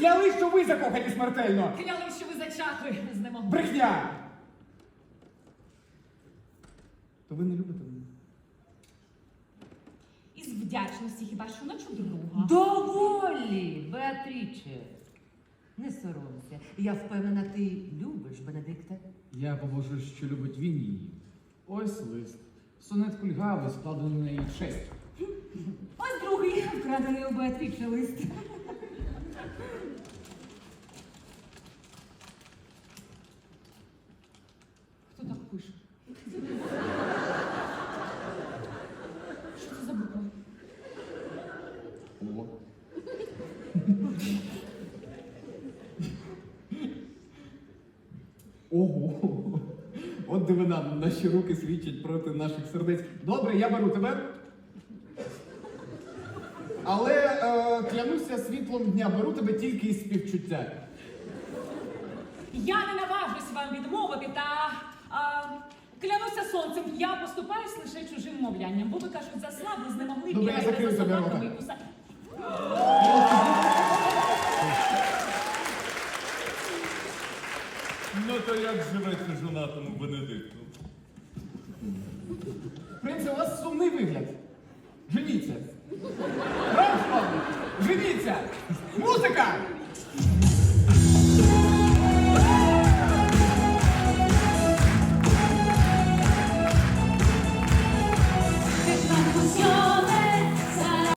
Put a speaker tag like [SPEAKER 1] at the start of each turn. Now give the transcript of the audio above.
[SPEAKER 1] Кляли, що ви закохані смертельно.
[SPEAKER 2] Кляли, що ви зачахли з ним.
[SPEAKER 1] Брехня! То ви не любите мене?
[SPEAKER 2] Із вдячності хіба що начу друга.
[SPEAKER 3] Доволі, Беатріче. Не соромся. Я впевнена, ти любиш Бенедикта.
[SPEAKER 4] Я побожу, що любить він її. Ось лист. Сонет кульгавий, складений на її честь.
[SPEAKER 3] Ось другий вкрадений у Беатріче лист.
[SPEAKER 2] Хто так пише? Що це за буква?
[SPEAKER 4] О.
[SPEAKER 1] Ого! От дивина, наші руки свідчать проти наших сердець. Добре, я беру тебе. Але клянуся світлом дня, беру тебе тільки із співчуття.
[SPEAKER 2] Я не наважусь вам відмовити, та клянуся сонцем, я поступаюсь лише чужим мовлянням, бо ви кажуть, заслабли, знемогли,
[SPEAKER 1] Добре, я закрию
[SPEAKER 2] за
[SPEAKER 1] тобі
[SPEAKER 2] собаками
[SPEAKER 1] рота.
[SPEAKER 2] і кусати.
[SPEAKER 5] Ну то як живеться жонатому Бенедикту?
[SPEAKER 1] Принце, у вас сумний вигляд. Женіться. Рамштайн! Женіться! Музика!